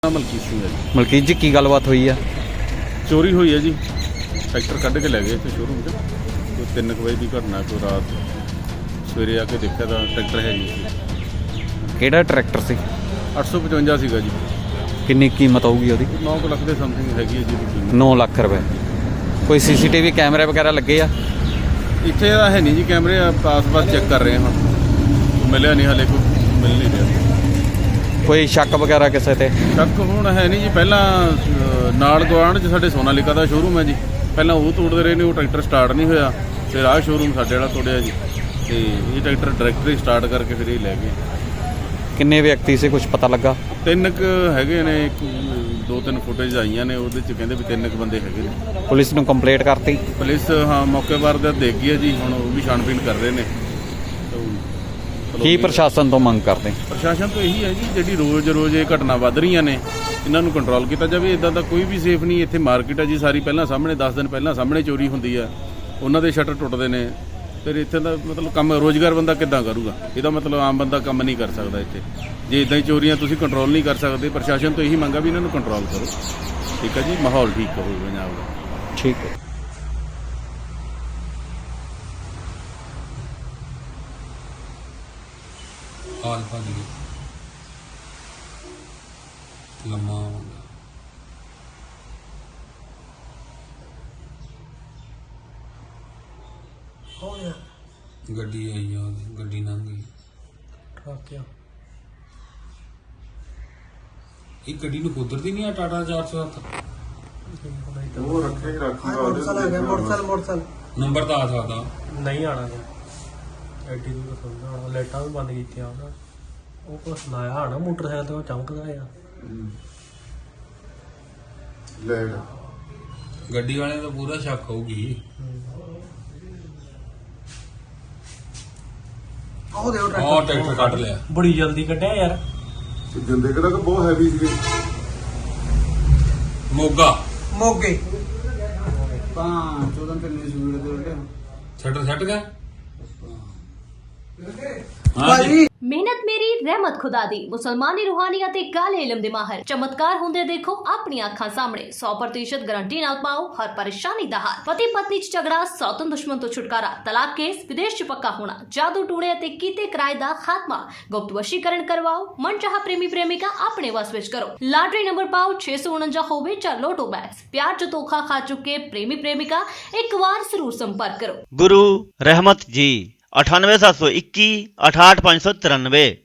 ਮਲਕੀਤ ਸਿੰਘ ਹੈ ਜੀ। ਮਲਕੀਤ ਜੀ ਕੀ ਗੱਲਬਾਤ ਹੋਈ ਆ? ਚੋਰੀ ਹੋਈ ਹੈ ਜੀ। ਟਰੈਕਟਰ ਕੱਢ ਕੇ ਲੈ ਗਏ ਇੱਥੇ ਸ਼ੋਰੂਮ 'ਚ। ਕੋਈ 3 ਵਜੇ ਦੀ ਘਟਨਾ। ਕੋਈ ਰਾਤ ਸਵੇਰੇ ਆ ਕੇ ਦੇਖਿਆ ਤਾਂ ਟਰੈਕਟਰ ਹੈ ਨਹੀਂ ਸੀ। ਕਿਹੜਾ ਟਰੈਕਟਰ ਸੀ? 855 ਸੀਗਾ ਜੀ। ਕਿੰਨੀ ਕੀਮਤ ਹੋਊਗੀ ਉਹਦੀ? 9 ਲੱਖ ਦੇ ਸਮਥਿੰਗ ਹੈਗੀ ਹੈ ਜੀ ਉਹਦੀ ਕੀਮਤ। 9 ਲੱਖ ਰੁਪਏ। ਕੋਈ ਸੀਸੀਟੀਵੀ ਕੈਮਰੇ ਵਗੈਰਾ ਲੱਗੇ ਆ? ਇੱਥੇ ਤਾਂ ਹੈ ਨਹੀਂ ਜੀ ਕੈਮਰੇ। ਆਸ-ਪਾਸ ਚੈੱਕ ਕਰ ਰਹੇ ਹਾਂ ਹੁਣ। ਮਿਲਿਆ ਨਹੀਂ ਹਾਲੇ, ਕੋਈ ਮਿਲ ਨਹੀਂ ਰਿਹਾ। ਕੋਈ ਸ਼ੱਕ ਵਗੈਰਾ ਕਿਸੇ ਤੇ? ਸ਼ੱਕ ਹੁਣ ਹੈ ਨਹੀਂ ਜੀ। ਪਹਿਲਾਂ ਨਾਲ ਗੁਆਂਢ 'ਚ ਸਾਡੇ ਸੋਨਾਲੀਕਾ ਦਾ ਸ਼ੋਰੂਮ ਹੈ ਜੀ। ਪਹਿਲਾਂ ਉਹ ਤੋੜਦੇ ਰਹੇ ਨੇ, ਉਹ ਟਰੈਕਟਰ ਸਟਾਰਟ ਨਹੀਂ ਹੋਇਆ। ਫਿਰ ਆਹ ਸ਼ੋਰੂਮ ਸਾਡੇ ਵਾਲਾ ਤੋੜਿਆ ਜੀ। ਤੇ ਇਹ ਟਰੈਕਟਰ ਡਾਇਰੈਕਟਰੀ ਸਟਾਰਟ ਕਰਕੇ ਫਿਰ ਇਹ ਲੈ ਗਏ। ਕਿੰਨੇ ਵਿਅਕਤੀ ਸੀ, ਕੁਝ ਪਤਾ ਲੱਗਾ? 3 ਹੈਗੇ ਨੇ। 2-3 ਫੁਟੇਜ ਆਈਆਂ ਨੇ, ਉਹਦੇ 'ਚ ਕਹਿੰਦੇ ਵੀ 3 ਬੰਦੇ ਹੈਗੇ ਨੇ। ਪੁਲਿਸ ਨੂੰ ਕੰਪਲੇਂਟ ਕਰਤੀ? ਪੁਲਿਸ ਹਾਂ ਮੌਕੇ ਵਾਰਦਾਤ ਦੇਖ ਗਈ ਹੈ ਜੀ। ਹੁਣ ਉਹ ਵੀ ਛਾਣਬੀਣ ਕਰ ਰਹੇ ਨੇ। ਕੀ ਪ੍ਰਸ਼ਾਸਨ ਤੋਂ ਮੰਗ ਕਰਦੇ? ਪ੍ਰਸ਼ਾਸਨ ਤੋਂ ਇਹੀ ਹੈ ਜੀ, ਜਿਹੜੀ ਰੋਜ਼ ਇਹ ਘਟਨਾ ਵੱਧ ਰਹੀਆਂ ਨੇ, ਇਹਨਾਂ ਨੂੰ ਕੰਟਰੋਲ ਕੀਤਾ ਜਾਵੇ। ਇਦਾਂ ਦਾ ਕੋਈ ਵੀ ਸੇਫ ਨਹੀਂ। ਇੱਥੇ ਮਾਰਕੀਟ ਹੈ ਜੀ ਸਾਰੀ, ਪਹਿਲਾਂ ਸਾਹਮਣੇ 10 ਦਿਨ ਪਹਿਲਾਂ ਸਾਹਮਣੇ ਚੋਰੀ ਹੁੰਦੀ ਆ, ਉਹਨਾਂ ਦੇ ਸ਼ਟਰ ਟੁੱਟਦੇ ਨੇ। ਫਿਰ ਇੱਥੇ ਦਾ ਮਤਲਬ ਕੰਮ ਰੋਜ਼ਗਾਰ ਬੰਦਾ ਕਿੱਦਾਂ ਕਰੂਗਾ? ਇਹਦਾ ਮਤਲਬ ਆਮ ਬੰਦਾ ਕੰਮ ਨਹੀਂ ਕਰ ਸਕਦਾ ਇੱਥੇ। ਜੇ ਇਦਾਂ ਹੀ ਚੋਰੀਆਂ ਤੁਸੀਂ ਕੰਟਰੋਲ ਨਹੀਂ ਕਰ ਸਕਦੇ, ਪ੍ਰਸ਼ਾਸਨ ਤੋਂ ਇਹੀ ਮੰਗਾ ਵੀ ਇਹਨਾਂ ਨੂੰ ਕੰਟਰੋਲ ਕਰੋ। ਠੀਕ ਹੈ ਜੀ, ਮਾਹੌਲ ਠੀਕ ਹੋਵੇ ਪੰਜਾਬ ਦਾ। ਠੀਕ ਹੈ। ਹਾਲ ਭੱਜ ਗਈ ਲੰਮਾ ਮੁੰਡਾ। ਗੱਡੀ ਆਈ ਆ, ਉਹਦੀ ਗੱਡੀ ਲੰਘ ਗਈ। ਇਹ ਗੱਡੀ ਨੂੰ ਕੁਦਰਤੀ ਨਹੀਂ ਆ ਟਾਟਾ 407? ਉਹ ਰੱਖੇ ਮੋਟਰਸਾਈਕਲ ਨੰਬਰ ਤਾਂ ਆ ਸਕਦਾ। ਨਹੀਂ ਆਣਾ ਜੀ। ਐਡੀ ਦੂਰ ਸੁਣਦਾ ਹੋਣਾ। ਲਾਈਟਾਂ ਵੀ ਬੰਦ ਕੀਤੀਆਂ ਉਹਨਾਂ। ਉਹ ਕੁਛ ਲਾਇਆ ਹੋਣਾ ਮੋਟਰਸਾਈਕਲ ਤੇ, ਉਹ ਚਮਕਦਾ ਆ। ਗੱਡੀ ਵਾਲਿਆਂ ਦਾ ਪੂਰਾ ਸ਼ੱਕ ਹੋਊਗੀ। ਉਹ ਦੇਖੋ ਉਹ ਟਰੈਕਟਰ ਕੱਢ ਲਿਆ। ਬੜੀ ਜਲਦੀ ਕੱਢਿਆ ਯਾਰ। ਜਿੰਦੇ ਕਿਹੜਾ ਕਿ ਬਹੁਤ ਹੈਵੀ ਸੀਗੇ। ਮੋਗਾ ਮੋਗੇ ਛੱਡ ਗਿਆ। ਭਾਜੀ ਮਿਹਨਤ ਮੇਰੀ ਰਹਿਮਤ ਖੁਦਾ ਦੀ। ਮੁਸਲਮਾਨੀ ਰੂਹਾਨੀਅਤ ਤੇ ਕਾਲੇ ਇਲਮ ਦੇ ਮਾਹਰ ਚਮਤਕਾਰ ਹੁੰਦੇ ਦੇਖੋ ਆਪਣੀਆਂ ਅੱਖਾਂ ਸਾਹਮਣੇ। 100% ਗਾਰੰਟੀ ਨਾਲ ਪਾਓ ਹਰ ਪਰੇਸ਼ਾਨੀ ਦਾ ਹੱਲ। ਪਤੀ ਪਤਨੀ ਚ ਝਗੜਾ, ਸੌਤਨ ਦੁਸ਼ਮਣ ਤੋਂ ਛੁਟਕਾਰਾ, ਤਲਾਕ ਕੇਸ, ਵਿਦੇਸ਼ ਚ ਪੱਕਾ ਹੋਣਾ, ਜਾਦੂ ਟੂਣੇ ਅਤੇ ਕੀਤੇ ਕਿਰਾਏ ਦਾ ਖਾਤਮਾ, ਗੁਪਤ ਵਸ਼ੀਕਰਨ ਕਰਵਾਓ, ਮਨਚਾਹਾ ਪ੍ਰੇਮੀ ਪ੍ਰੇਮਿਕਾ ਆਪਣੇ ਵਸ ਵਿੱਚ ਕਰੋ। ਲਾਟਰੀ ਨੰਬਰ ਪਾਓ 649 ਹੋਵੇ ਜਾਂ ਲੋਟੋ ਬੈਗਸ। ਪਿਆਰ ਚ ਧੋਖਾ ਖਾ ਚੁੱਕੇ ਪ੍ਰੇਮੀ ਪ੍ਰੇਮਿਕਾ ਇੱਕ ਵਾਰ ਜ਼ਰੂਰ ਸੰਪਰਕ ਕਰੋ। गुरु रहमत जी 98721 68593।